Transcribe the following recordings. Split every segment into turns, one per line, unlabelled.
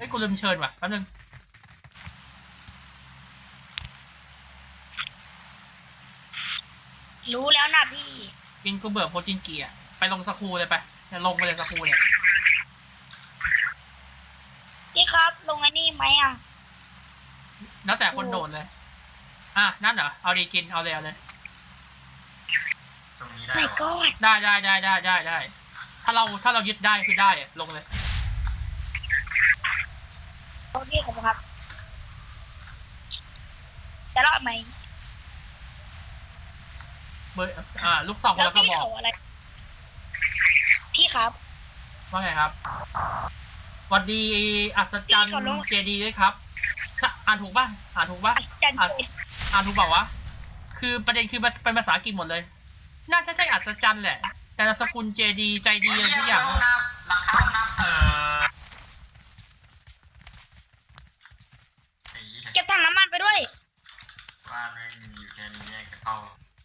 ฮ้ยกูลืมเชิญว่ะแป๊บนึง
รู้แล้วนะพี่
กินกูเบื่อโพจินกีอะไปลงสคูเลยไปลงไปเลยสคูเนี่ย
พี่ครับลงไอ้นี่ไหมอ่ะ
แล้วแต่คนโดดเลยนั่นเหรอเอาดีกินเอาเลยเอาเลย
ตรงนี้ได้
ไม่ก็
ได้ถ้าเรายึดได้คือได้อะลงเลย
โอเคครับจะรอดไหม
เบอร์ลูกซองคนละกระบอก
อะไรพี่ครับ
ว่าไงครับสวัสดีอัศจรรย์เจดีด้วยครับอ่านถูกป่ะอ่านถูกป่ะอ่านถูกเปล่าวะคือประเด็นคือเป็นภาษาอังกฤษหมดเลยน่าจะใช่อัศจรรย์แหละแต่สกุลเจดีใจดีอะไรทุกอย่าง
หลังเข้าน้ำ
เก็บถังน้ำมันไปด้วย
บ้านไม่มีอยู่แค่นี้แยกเข้า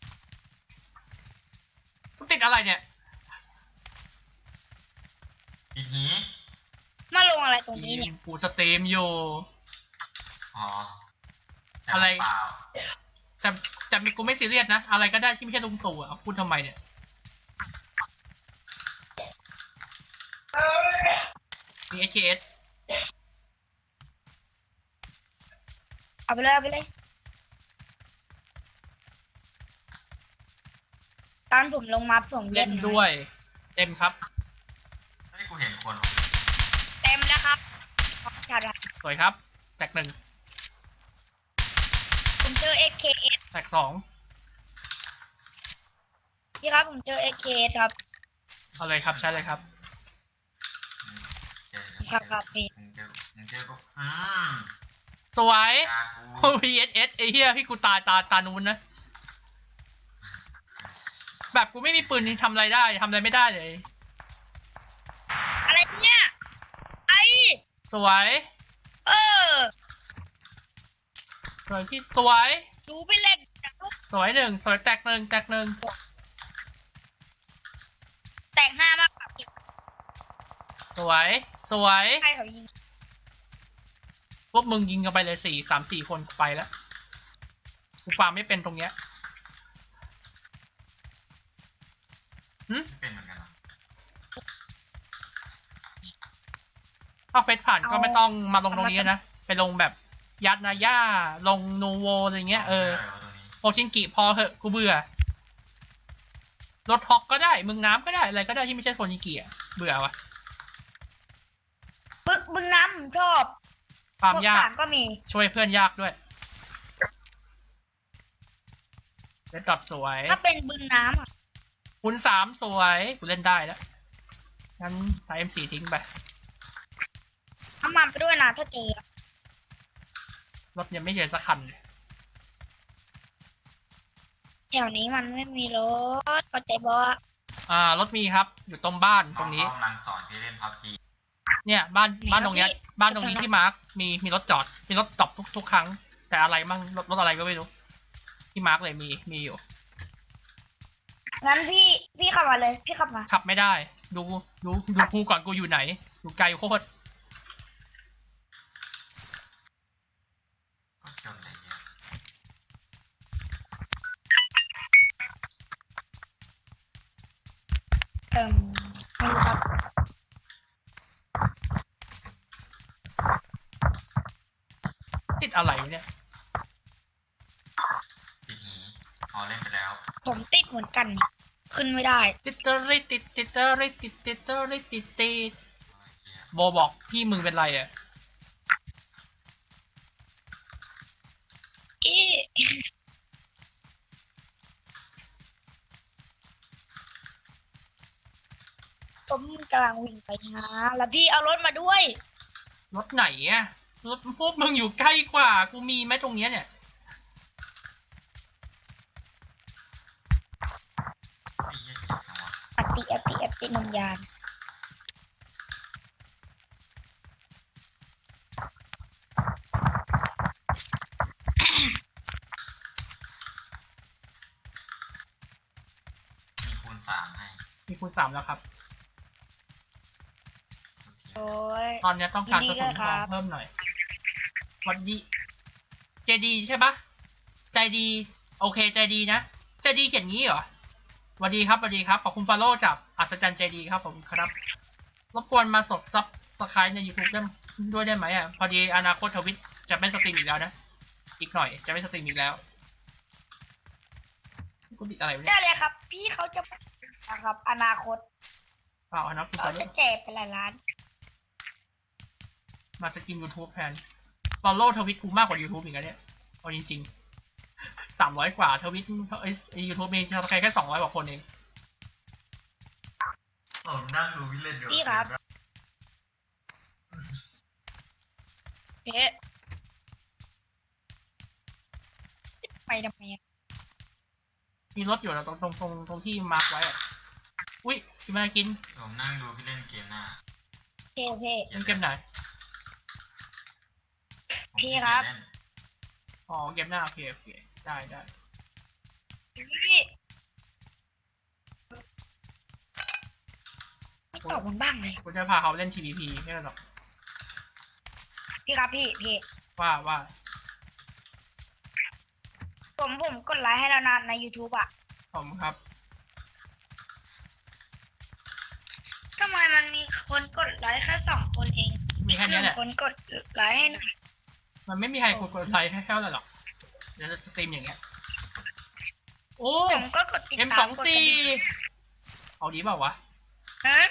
ติดอะไรเนี่ย
ปิดหี
มาลงอะไรตรงนี้เนี่ย
กูสตรีมอยู่
อ๋อ
อะไรแต่กูไม่ซีเรียสนะอะไรก็ได้ที่ไม่ใช่ลุงตู่อ่ะพูดทำไมเนี่ยมี HKS
เอาไปเลยตอนผมลงมาผม
เล่นด้วยเต็มครับ
ไม่กูเห็นคน
เต็มแล้วครับ
สวยครับแตกหนึ่ง
ผมเจอ SKS
แตกสอง
พี่ครับผมเจอ SKS ครับ
เอาเลยครับใช่เลยครับ
ครับพี่
สวย VSS ไอ้เหี้ยพี่กูตานูนนะแบบกูไม่มีปืนทำอะไรได้ทำอะไรไม่ได้เลย
อะไรเนี่ย
สวยสวยพี่สวย
ดูไปเล่น
สวยหนึ่งสวยแตกหนึ่งแตก
ห้ามาก
สวย
ใครเขายิง
พวกมึงยิงกันไปเลย3-4 คนไปแล้วกูฟาร์มไม่เป็นตรงเนี้ย
เป็นเหมือนกัน
ถ้าเฟซผ่านก็ไม่ต้องมาลงตรงนี้นะไปลงแบบยัดนาย่าลงนูโวอะไรเงี้ยโอชินกิพอเหอะกูเบื่อรถฮอกก็ได้มึงน้ำก็ได้อะไรก็ได้ที่ไม่ใช่โอชินกิอ่ะเบื่อวะ
บึงน้ำผมชอบ
ความยาก
ก็มี
ช่วยเพื่อนยากด้วยเล่นตัดสวย
ถ้าเป็นบึงน้ำ
คูณ3สวยกูเล่นได้แล้วงั้นใส่ M4 ทิ้งไป
น้ำมันไปด้วยนะถ้าเจอ
รถยังไม่เจอสักคัน
แถวนี้มันไม่มีรถเข้าใจบ่
รถมีครับอยู่ตรงบ้านตรงนี้
กำลังสอนพี่เล่นพับจี
เนี่ยบ้านตรงเนี้ยบ้านตรงนี้ที่มาร์คมีรถจอดมีรถจอดทุกครั้งแต่อะไรมั่งรถอะไรก็ไม่รู้ที่มาร์คเลยมีอยู่
งั้นพี่ขับมาเลยพี่ขับมา
ขับไม่ได้ดูกูก่อนกูอยู่ไหนอยู่ไกลโคตร
ไม่รู้ครับ
ติดอะไรเนี่ย
ติดหีเล่นไปแล้ว
ผมติดเหมือนกันขึ้นไม่ได้
ติดโบบอกพี่มึงเป็นไรอ่ะ
ผมกำลังวิ่งไปนะแล้วพี่เอารถมาด้วย
รถไหนอ่ะรถพวกมึงอยู่ใกล้กว่ากูมีไหมตรงเนี้ยเนี่ย
อตินมยาน
มีคูณ 3ให้
มีคูณ 3แล้วครับ
โอ้ย
ตอนนี้ต้องการกระสุนทองเพิ่มหน่อยวันดีใจดีใช่ปะใจดี โอเคใจดีนะใจดีเขียนงี้เหรอสวัสดีครับสวัสดีครับขอบคุณฟาโร่จับอัศจรรย์ใจดีครับผมครับรบกวนมาซับสไครต์ใน YouTube ด้วยได้ไหมอ่ะพอดีอนาคตทวิตจะไม่สตรีมอีกแล้วนะอีกหน่อยจะไม่สตรีมอีกแล้วกูติดอะไรวะ
ใช่
เนี่ย
เลยครับ พี่เขาจะนะครับอนาคต
เปล่านะคุณ
เขา
ฟาโร่
จะแจกเป็นหลายล้าน
มาจะกิน YouTube แทน follow ทวิตกูมากกว่า YouTube อีกแล้วเนี่ยเอาจริงๆ300 กว่าทวิตYouTube มีใครแค่200 กว่าคนเอง
ผมนั่งดูวิลเลนอยู่
พี่ครับ เอ๊ะไปทำไมอะ
มีรถอยู่แล้วตรงที่มาร์กไว้อะอุ้ยกินมากิน
ผมนั่งดูพี่เล่นเกมหน้า
โอเค
เล่นเกมไหน
พี่ครับ
อ๋อเกมหน้าโอเคได้
พี่ไม่ตอบมันบ้างเลย
กูจะพาเขาเล่น TVP ไม่หรอก
พี่ครับพี่
ว่า
ผมกดไลค์ให้แล้วนะใน YouTube อ่ะ
ผมครับ
ทำไมมันมีคนกดไลค์แค่2 คนเอง
มีแค่นี้แหละ
1 คนกดไลค์ให้หน่อย
มันไม่มีใครกดไลค์ให้แค่นั้นหรอกเดี๋ยวจะสตรีมอย่างเงี้ยโอ้
ผมก็กดติดตาม
M24
กดกระดิ่ง
เอาดีเปล่าวะ
ฮะ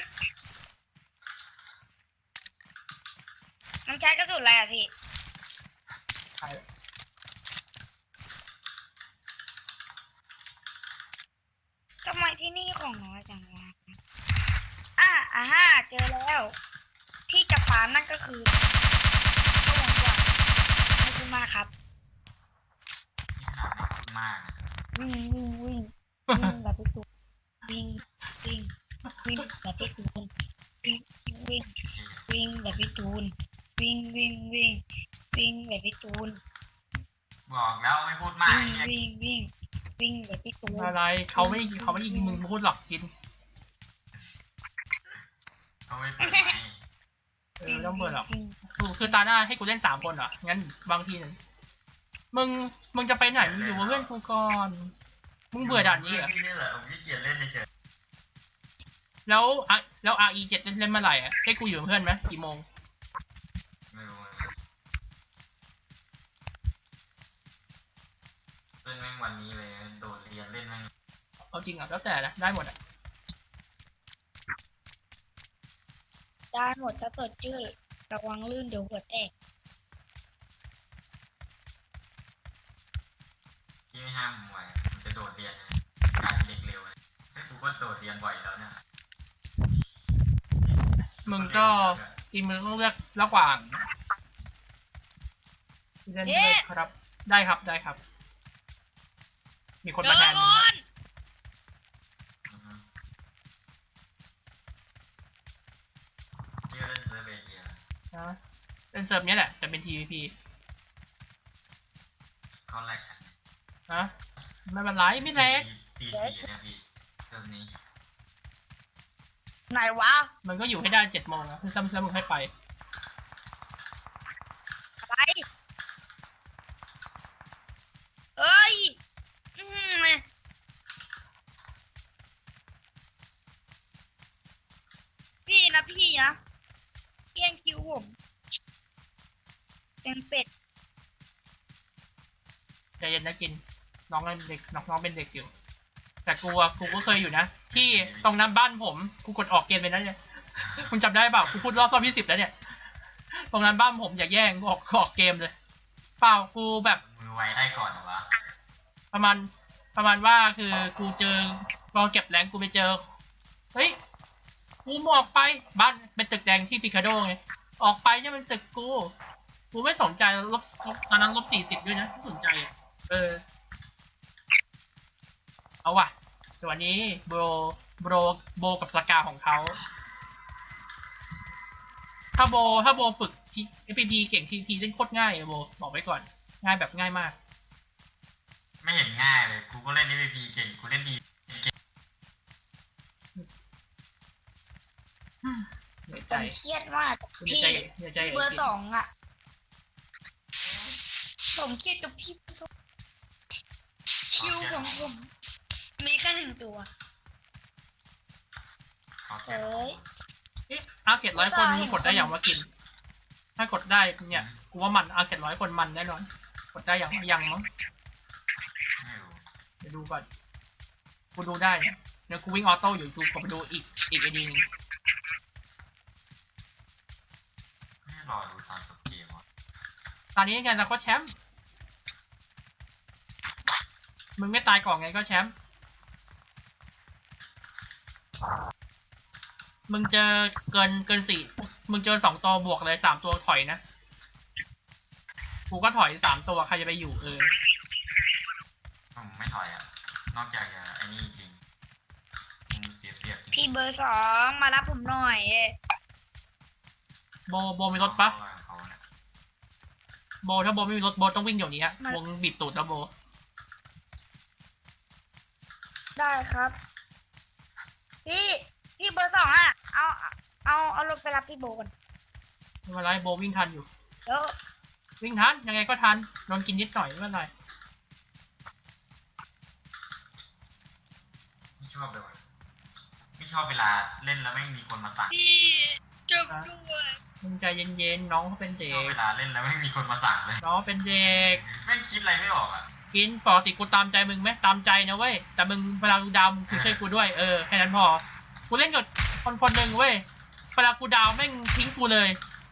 มันใช้กระสุนอะไรอ่ะพี่
ใช่
ทำไมที่นี่ของน้อยจังวะเจอแล้ว ที่จะฟาร์มนั่นก็คือก็วงกว่าขอบคุณมากครับ
นี่ขนาดไม่พูดมากนะ
วิ่งแบบพี่ตูนวิ่งแบบพี่ตูนวิ่งแบบพี่ตูนวิ่งแบบพี่ตูน
บอกแล้วไม่พูดมากไอ้เนี่ย
วิ่งแบบพี่ตูน
อะไรเขาไม่ยิงมึงพูดหรอกกิน
เขาไม่เปิดไหม
ไม่ต้องเปิดหรอกคือตาหน้าให้กูเล่น3 คนเหรองั้นบางทีหนึ่งมึงจะไปไหนมึงอยู่กับเพื่อนกูก่อนมึงเบื่อด่านนี้เหรอ
พี่นี่แหละผมขี้เกียจเล่นเฉย
แล้ว RE7 เล่นเมื่อไหร่อ่ะให้กูอยู่กับเพื่อนไหมกี่โมง
ๆไม่รู้เล่นแม่งวันนี้เลยโดดเรียนเล่นแม่ง
เอาจริงอ่ะแล้วแต่นะได้หมดอ่ะ
ได้หมดถ้าเปิดชื่อระวังลื่นเดี๋ยวหัวแตก
พี่ไม่ห้ามผมไว้ผมจะโดดเรียนนะกลายเป็นเด็กเร็วเลยกูก็โดดเรียนบ่อยแล้วเนี่ย
มึงก็ทีมึงต้องเลือกระหว่างเล่นด้วยครับได้ครับ มีคนมาแทนมึงนะ
อือฮึนี่ก็เล่นเซิร์ฟเอเชีย
นะเล่นเซิร์ฟเนี้ยแหละแต่เป็น TVP
เขาแลกกัน
นะไม่เป็นไรไม่แลก
ตีสี่เนี่ยพี่เซิร์ฟนี้
ไหนวะ
มันก็อยู่ให้ได้7 โมงนะแล้วมึงให้ไป
อะไรเอ้ยพี่นะเพี้ยงคิวผมเป็นเป็ด
ใจเย็นนะกินน้องเป็นเด็กน้องเป็นเด็กอยู่ แต่กูก็เคยอยู่นะที่ตรงนั้นบ้านผมกูกดออกเกมไปแล้วเนี่ยคุณจำได้เปล่ากูพูดรอบที่ 10แล้วเนี่ยตรงนั้นบ้านผมอย่าแย่งกูออกเกมเลยเปล่ากูแบบ
มือไวได้ก่อนเหรอวะ
ประมาณว่าคือกูเจอลองเก็บแรงกูไปเจอเฮ้ยกูมออกไปบ้านเป็นตึกแดงที่ปิคาโดไงออกไปเนี่ยมันตึกกูไม่สนใจตอนนั้น-40ด้วยนะไม่สนใจเอาว่ะแต่วันนี้โบกับสกาของเขาถ้าโบฝึกที่ FPP เก่ง TP เล่นโคตรง่ายโบบอกไว้ก่อนง่ายแบบง่ายมาก
ไม่เห็นง่ายเลยกูก็เล่น PVP เก่งกูเล่นทีเก่ง
เหนื่อย
ผ
ใจ
มเครียดมาก
เหนื่อย
พี่
ใจเหนื่อยใจ
เบอร์สองอ่ะผมเครียดกับพี่เบอร์สองคิวของผมมีแค่หนึ่งตัว
เขา
เจ
เจ็บ
อ
เอ๊ะอาร์เกต100 คนมึงกดได้อย่างว่ากิน ถ้ากดได้เนี่ยกูว่ามันอาร์เกต100 คนมันแน่นอนกดได้อย่างมั้ง
ไม่รู้
เดี๋ยวดูก่อนกูดูได้เนี่ยเดี๋ยวกูวิ่งออโต้อยู่กูกดไปดูอีกไอดีนึง
ไม่รอดูตอนจบเกมวะ
ตอนนี้ไงเราก็แชมป์มึงไม่ตายก่อนไงก็แชมป์มึงเจอเกิน4มึงเจอ2 ตัวบวกเลย3 ตัวถอยนะกูก็ถอย3 ตัวใครจะไปอยู่
ผมไม่ถอยอ่ะนอกจากจะไอ้นี่จริงมึงเสียเปรียบจริง
พี่เบอร์สองมารับผมหน่อย
โบมีรถปะ
เขาเนี่ย
โบถ้าโบไม่มีรถโบต้องวิ่งเดี๋ยวนี้วงบีบตูดแล้วโบ
ได้ครับ พี่เบอร์สองอ่ะเอารถไปรับพี่โบก่อน
ไม่เป็นไรโบวิ่งทันอยู่
เดี๋ยว
วิ่งทันยังไงก็ทันโดนกินนิดหน่อยไม่เป็นไร
ไม่ชอบเลยว่ะไม่ชอบเวลาเล่นแล้วไม่มีคนมาสั่ง
พี่จบด้วย
มึงใจเย็นๆน้องเขาเป็นเด็
ชอบ
ก
เวลาเล่นแล้วไม่มีคนมาสั่งเลย
น้องเป็นเด็ก
แม่งคิดอะไรไม่ออกอ่ะ
กินปกติกูตามใจมึงไหมตามใจนะเว้ยแต่มึงเวลากูดาวมึงคือช่วยกูด้วยแค่นั้นพอกูเล่นกับคนหนึ่งเว้ยเวลากูดาวแม่งทิ้งกูเลย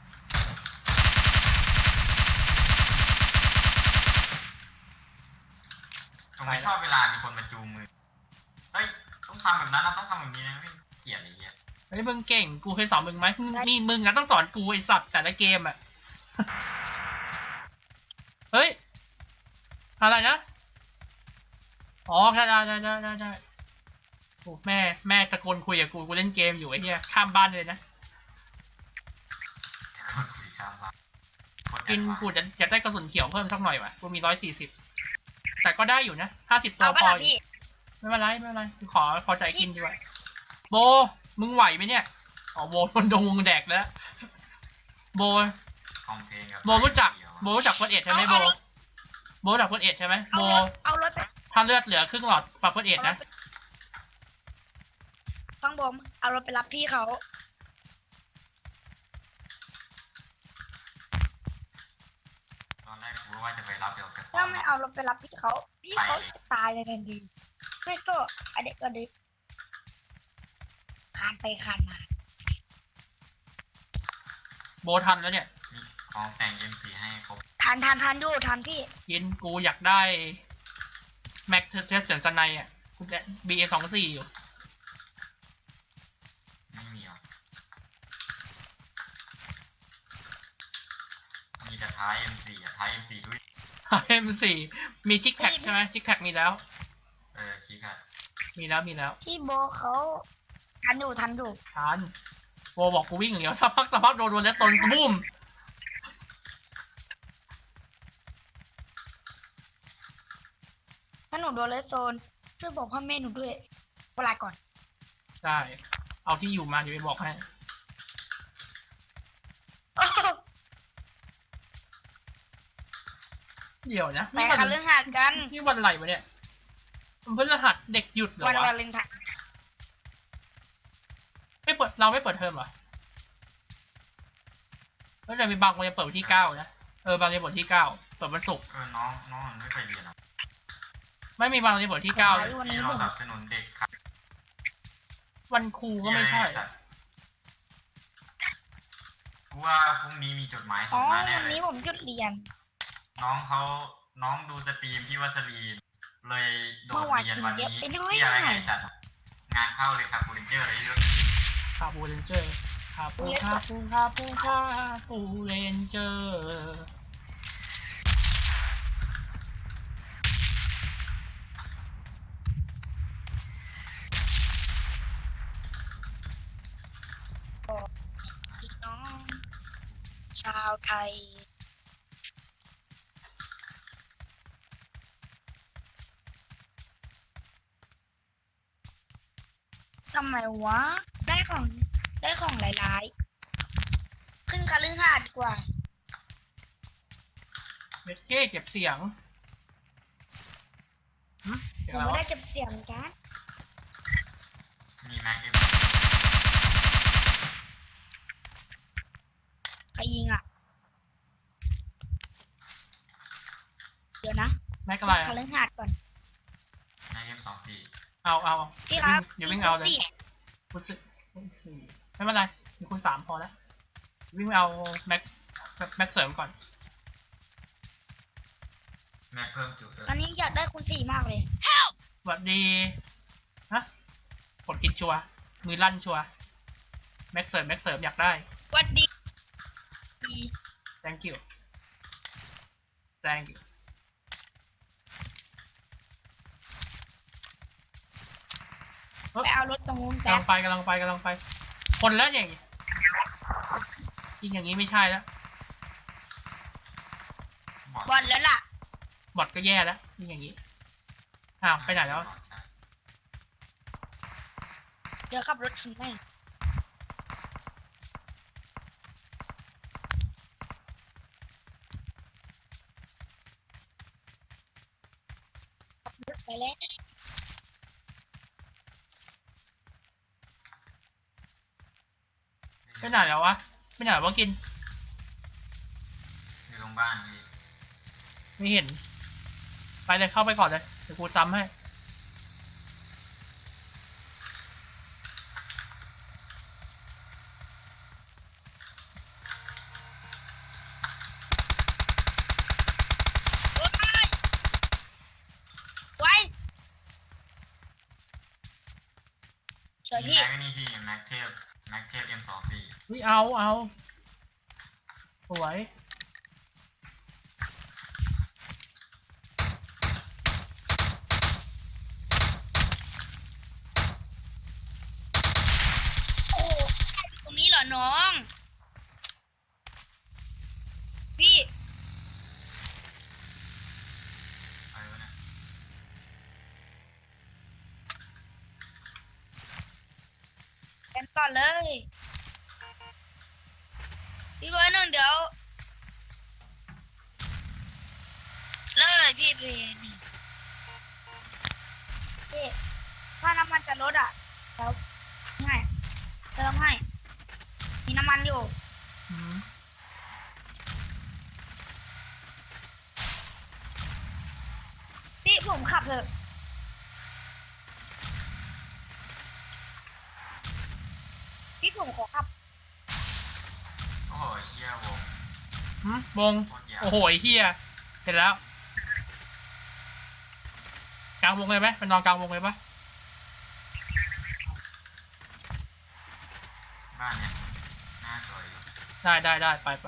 ผมไม่ชอบเวลามีคนมาจูงมือเฮ้ยต้องทำแบบนั้นนะต้องทำแบบนี้นะไม่เกลียดอะไรเงี้ย
เฮ้ยมึงเก่งกูเคยสอนมึงไหมนี่มึงอะต้องสอนกูไอสัตว์แต่ละเกมอะ เฮ้ยอะไรนะอ๋อได้โอ้แม่ตะโกนคุยกับกูเล่นเกมอยู่ไอ้เหี้ยข้ามบ้านเลยนะ
คนคุยข้ามบ้านโคตรแอ
กิน
ดวานซ์
กูจะอยากได้กระสุนเขียวเพิ่มสักหน่อยว่ะกูมี140แต่ก็ได้อยู่นะ50 ตัว
เอาไป
พอ
ละ
อยู่
พี่
ไม่เป็นไรขอใจกินดีกว่าโบมึงไหวไหมเนี่ยอ๋อโบโดนดงวงแดกแล้วโบ
คอมเพลงกับ
โบรู้จักเฟิร์สเอ็ดใช่ไหมโบรู้จักเฟิร์สเอ็ดใช่ไหมโบ
เอารถไป
ถ้าเลือดเหลือครึ่งหลอดปรับเฟิร์สเอ็ดนะ
ฟังผมเอารถไปรับพี่เขา
ตอนแรกกูว่าจะไปรับเดี๋ยวจะ
ถ้าไม่เอารถไปรับพี่เขาจะตายเลยทันทีไม่ก็อเด็กก็เด็กคานไปคานมา
โบทันแล้วเนี่ย
มีของแต่ง M4 ให้ครบ
ทานอยู่ทานพี่
กินกูอยากได้แม็กเทสเสียงจันในอ่ะกูจะ BA24 อยู่
ไม่มีหรอกมีแต่ท้าย M4 อ่ะท้าย M4 ด้วย
M4 มีจิกแพ็กใช่ไหมจิกแพ็กมีแล้ว
ชี้ค่ะ
มีแล้ว
พี่โบเขาทันอยู่
ทันโบบอกกูวิ่งอย่างเดียวสักพักโดนแล้วโซนกูบุ้ม
ถ้าหนูโดนเลสโซนช่วยบอกพ่อแม่หนูด้วยเวลาก่อน
ได้เอาที่อยู่มาเดี๋ยวไปบอกให้ เดี๋ยวนะ
ไปค่ะเรื่องหัดกัน
นี่วันอะไรวะเนี่ยมันพฤหัสเด็กหยุดเหรอ
วัน
วะ
วาเลนไทน์
เราไม่เปิดเทอมเหรอแล้วจะมีบางวันจะเปิดวันที่9นะบางวันจะเปิดวันที่9เปิดวันศุกร์
น้องมันไม่ไปเรียนหรอก
ไม่มีบางวันจะเปิดวันที่9เลย
วัน
ที่
นี้
เรา
ผม
สนับสนุนเด็กครับ
วันครูก็ไม่ใช่
กูว่าพรุ่งนี้มีจดหมายส่
อ๋อง
มาแน่
วัน
เลย
นี้ผมหยุดเรียน
น้องดูสตรีมพี่วัสลีนเลยโดด
เมื่อวาน
เรียนวันนี้
กินเยอะไปหน่อย
ที่อะไรไงสัตว์งานเข้าเลยครับบูรินเจอร์เลยเยอะ
คาบูเรนเจอร์คาบูเรนเจอร์
พี่น้องชาวไทยทำไมวะได้ของหลายคฤหาสน์ดีกว่า
เม็ดเก้เก็บเสียงเสี
ผ
ยง
ม
อะไร
ไม่
วะ
ได้เก็บเสียงกัน
มีแม็กเก็บ
ใครยิงอ่ะ เดี๋ยวนะ
แม็กอะไร
ค
อะ
ฤหาสน์ก่อน
แม็กเก็บ24
เอา
พี่ครับ
เดี๋ยววิ่งเอาเลย
พี่
คุณสี่ไม่เป็นไรมีคุณ3พอแล้ววิ่งเอาแม็กเสริมก่อน
แม็กเพิ่มจุดด้วย
ตอนนี้อยากได้คุณสี่มากเลย
สวัสดีฮะกดกินชัวร์มือลั่นชัวร์แม็กเสริมอยากได้
วัดดี
thank you thank you
ไปเอารถตรงนู้น
กำ
แป๊
ลั
บ
งไป คนแล้วเนี่ยยิงอย่างนี้ไม่ใช่แล้ว
บอลแล้วล่ะ
บอทก็แย่แล้วยิงอย่างนี้อ้าวไปไหนแล้ว
เดี๋ยวขับรถถึงแม่งขับรถไปแล้ว
ไปไหนแล้ววะไปไหนวะกิน
อยู่ตรงบ้านพี่
ไม่เห็น ไปเลยเข้าไปก่อนเลยเดี๋ยวกูซ้ำให้
ไว้สวย
มี
พี่
แม็กนี่พี่แม็กเทพ M24
เฮ้ยเอาสวย
โอ้โหตรงนี้เหรอน้อง พี่
อะไรวะเนี่ย
กันก่อนเลย พี่เบอร์หนึ่งเดี๋ยวเลยพี่เบอร์หนึ่งพี่ถ้าน้ำมันจะลดอ่ะเดี๋ยวให้เติมให้ มีน้ำมันอยู่
อืม
พี่ผมขับเถอะพี่ผมขอขับ
โอ้โหเฮียวง
วง
โคตรยาว
โอ้โหไอ้เฮียเสร็จแล้ว กลางวงเลยไหมไปนอนกลางวงเลยปะ
บ้านเนี่ยหน้าสวยอยู่
ได้ไป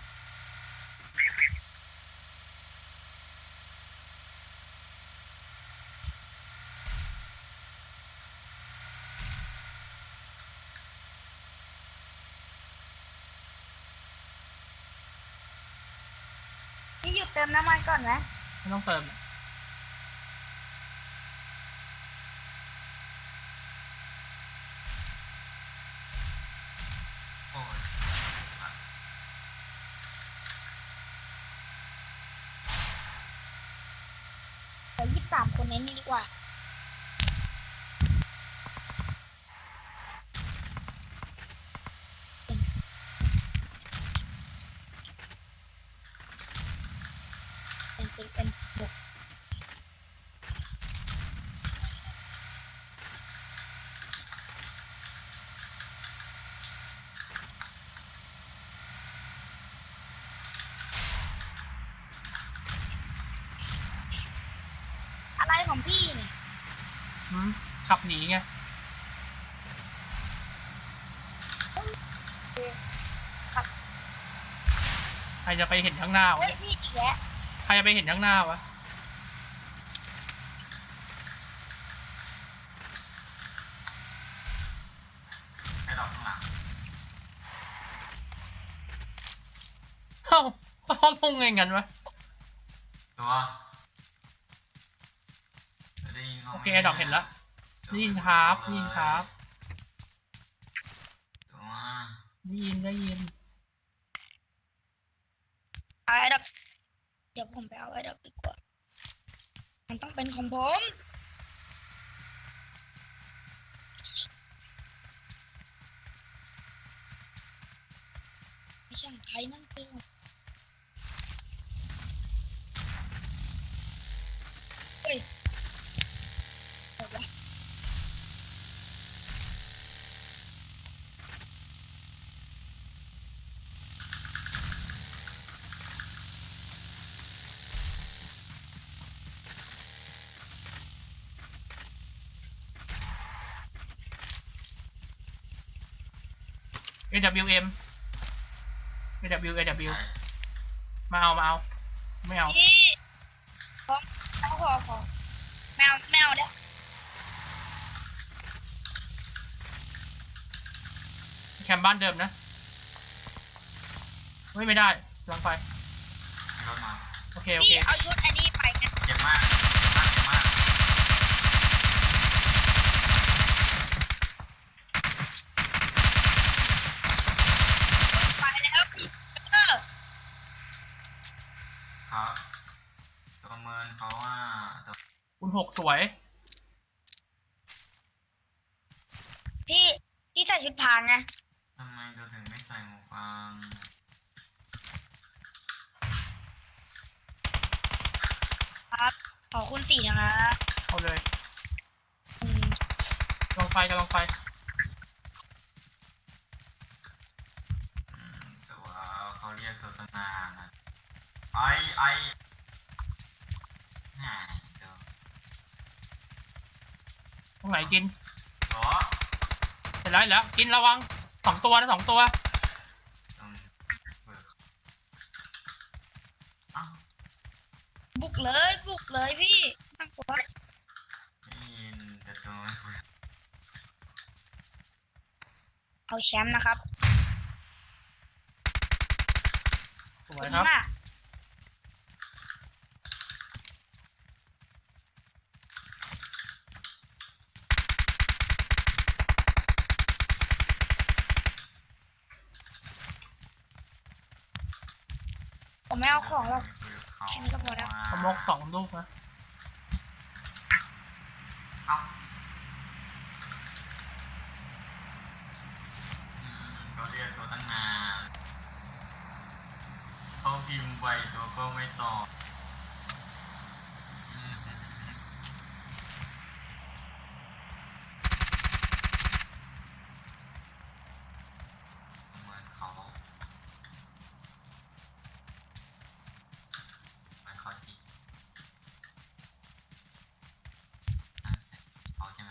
พี่หยุดเติมน้ำมันก่อนไหม
ไม่ต้องเติม
โอ้ย
เดี๋ยว23 คนนี้ดีกว่า เป็นบวกอะไรของพี่เนี่ย
ขับหนีไง
ครับ
ใครจะไปเห็นข้างหน้าวะ
เฮ้ย
เนี่ย
พี่อีกแล้ว
ใครจะไปเห็นข้างหน้าวะ
ให้ดอกข้างหลัง
เขาลงไงงั้นวะ
ตัวได้ยินบ้างไหม
โอเคดอกเห็นแล้ว ได้ยินครับ
ตัว
ได้ยิน
เอาไอ้ดับเดี๋ยวผมไปเอาไอ้ดับดีกว่ามันต้องเป็นของผมไม่ใช่ของใครนั่นคือเฮ้ยเดี๋ยววะ
AWM AW มาเอาไม่เอา
พี่ขอแมวเด้อ
แคมป์บ้านเดิมนะไม่ได้ลองไป
มีรถมา
โอเค
พี่เอาชุดอันนี้ไปนะ
เจ็บมากเจ็บมาก
ไปแล้วเออ
ครับตัวประเมินเขาว่าตัว
คุณหกสวย
พี่ใส่ชุดพรางไง
ทำไมเราถึงไม่ใส่หูฟัง
ครับขอคุณสี่นะคะ
เอาเลย
อืม
ลองไฟ
ตัวเขาเรียกตัวตั้งนานนะไอหาตัว
ตรงไหนกิน
ตัว
เสร็จแล้วกินระวัง2 ตัวนะ 2 ตัว
ตรงเปิดอ้าว
บุกเลยพี่นั่งกลัว
ได้ยินแต่ตัวไม่คุย
เอาแชมป์นะครับ
สวยครับ
มาก ผมไม่เอาของหรอก แค่นี้ก็พอแล้ว
สโมก2 ลูกนะ
เอ้าเขาเรียกตัวตั้งนานเขาพิมพ์ไวตัวก็ไม่ตอบอืมเหมือนเขาชี้เขาใช่ไหม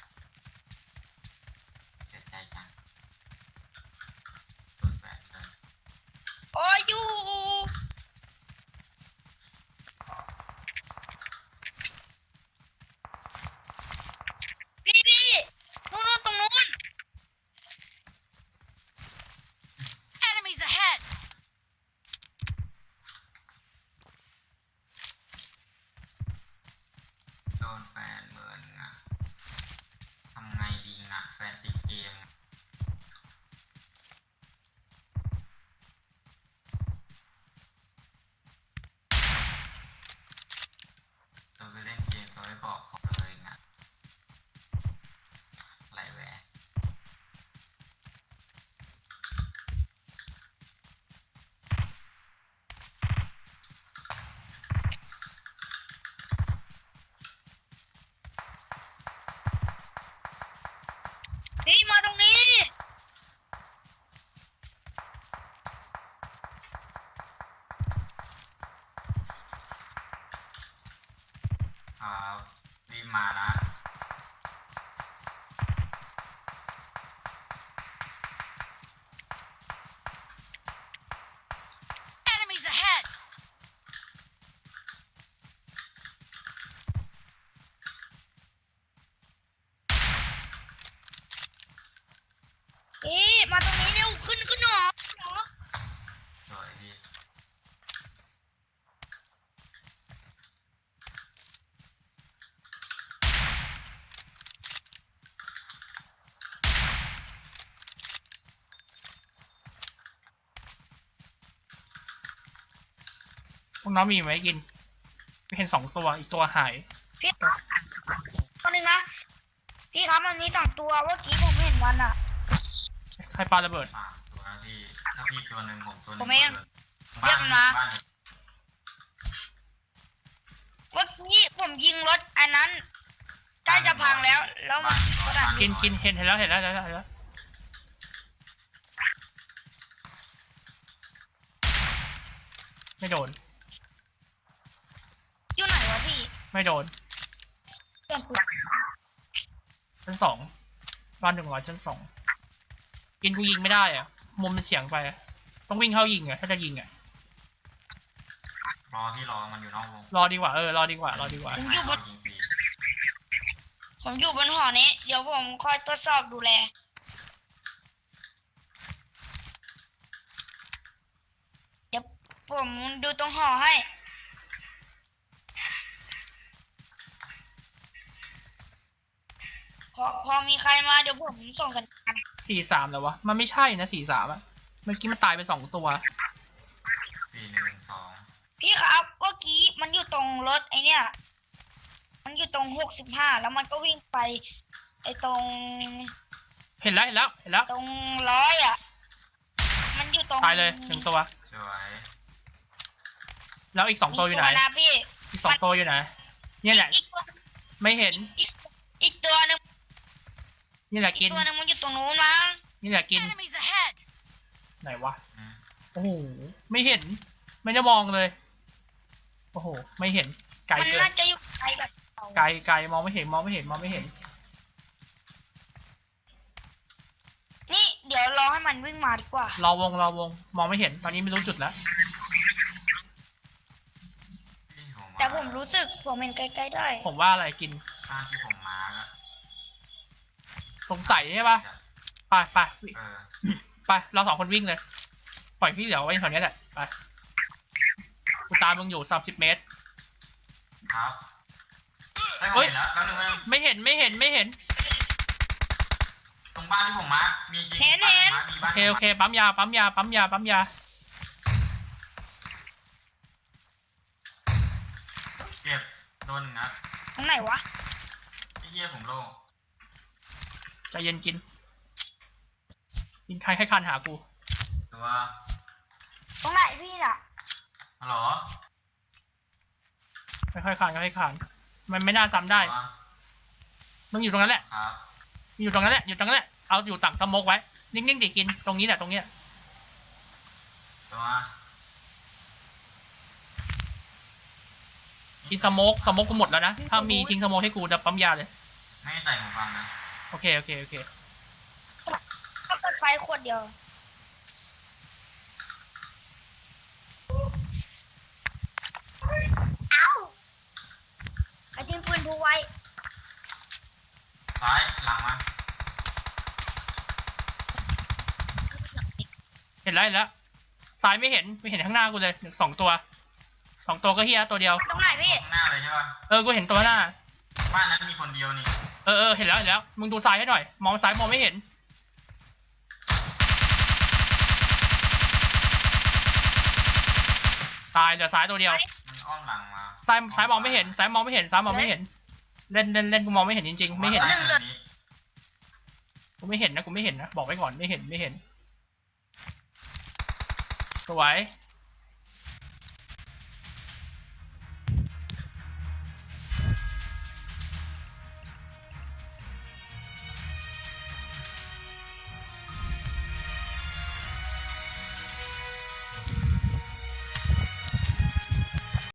เสียใจจังโดนแบนเลย
พวกน้องมีไหมกินไม่เห็น2 ตัวอีกตัวหาย
พี่ตัวหนึงนะพี่ครับมันมี2 ตัวเมื่อกี้ผมเห็นมันอ่ะ
ใครปาระเบิด
3 ตัวนะพี่ถ้าพี่ตัวหนึ่งผมตัวหนึ่ง
ผมเอง
บ้าน
เรียกมันมา
บ้าน
เมื่อกี้ผมยิงรถอันนั้นใกล้จะพังแล้วมันก็ดัน
กินเห็นแล้วเห็นแล้วไม่โดน
อยู่ไหนวะพี่
ไม่โดน
เพื่อนกู
ชั้น 2บ้าน100ชั้น 2กินกูยิงไม่ได้อะมุมมันเฉียงไปอะต้องวิ่งเข้ายิงอะถ้าจะยิงอะ
รอที่รอมันอยู่นอกวง
รอดีกว่า รอดีกว่า
ผมอยู่บน
ยิงฟรี
ผมอยู่บนหอนี้เดี๋ยวผมคอยตรวจสอบดูแลเดี๋ยวผมดูตรงหอให้พอมีใครมาเดี๋ยวผมส่งสัญญาณ
43แล้ววะมันไม่ใช่นะ43อะเมื่อกี้มันตายไป2 ตัว
4112
พี่ครับเมื่อกี้มันอยู่ตรงรถไอเนี่ยมันอยู่ตรง65แล้วมันก็วิ่งไปไอตรง
เห็นแล้ว
ตรง100อ่ะมันอยู่ตรง
ตายเลย1 ตัว
สวย
แล้วอีก2 ตัวอยู่ไหน
นะพี่
อีก2 ตัวอยู่ไหนเนี่ยแหละ
อีกตัว
ไม่เห็น
อีกตัวหนึง
นี่แหละ
อี
กิ
ก
น
ตัวหนึงมันอยู่ตรงนู้นมั้ง
นี่แหละกิน
Enemies ahead!
ไหนวะ
อืม
โอ้โหไม่เห็นไม่ได้มองเลยโอ้โหไม่เห็นไกล
มัน
เกิน
น่าจะอยู่ไกลแบบเรา
ไกลมองไม่เห็น
นี่เดี๋ยวรอให้มันวิ่งมาดีกว่าร
อวงมองไม่เห็นตอนนี้ไม่รู้จุดแล้ว
ที่ผม
แต่ผมรู้สึกผมเห็นใกล้ๆได้
ผมว่าอะไรกิน
บ้านที่ผมมาร์กอะ
สงสัยใช่ปะไป
เออ
ไปเรา2 คนวิ่งเลยปล่อยพี่เหลียวไว้แถวนี้แหละไปกูตามมึงอยู่30 เมตร
ครับได้ผม
เฮ้ย
เห็นแล้วแป๊บนึงนะ
ไม่เห็น
ตรงบ้านที่ผมมาร์กมีจริง
เห็น
บ้านผมมาร์คมีบ้าน
โอเคปั๊มยา
เก็บโดนหนึ่งนะ
ตรงไหนวะ
ไอ้เหี้ยผมโล่ง
ใจเย็นกินใครให้คันหากู
ตัว
ตรงไหนพี่น่ะ
ฮัลโหล
ค่อยๆคานมันไม่น่าซ้ำได้
ตัว
มึงอยู่ตรงนั้นแหละ
ครับ
อยู่ตรงนั้นแหละเอาอยู่ต่างสโมกไว้นิ่งๆดิกินตรงนี้แหละตรงเนี้ย
ตัว
กินสโมกกูหมดแล้วนะถ้ามีทิ้งสโมกให้กูจะปั๊มยาเลย
ไม่ใส่หูฟังนะ
โอเค
ก็เปิดไฟขวดเดียวเอ้าไอ้ทิ้งปืนดูไว้
ซ้ายหลังมา
เห็นแล้วซ้ายไม่เห็นข้างหน้ากูเลย2 ตัวก็เฮียตัวเดียว
ตรงไหนพี่
ข้างหน้าเลยใช่ป่ะ
กูเห็นตัวหน้า
บ้านนั้นมีคนเดียวนี่
เห็นแล้วมึงดูซ้ายให้หน่อยมองซ้ายมองไม่เห็นตายเหลือซ้ายตัวเดียว
มันอ้อมหลังมา
ซ้ายมองไม่เห็นเล่นกูมองไม่เห็นจริงๆไม่เห็น
ใต้เนินนี้
กูไม่เห็นนะบอกไว้ก่อนไม่เห็นสวย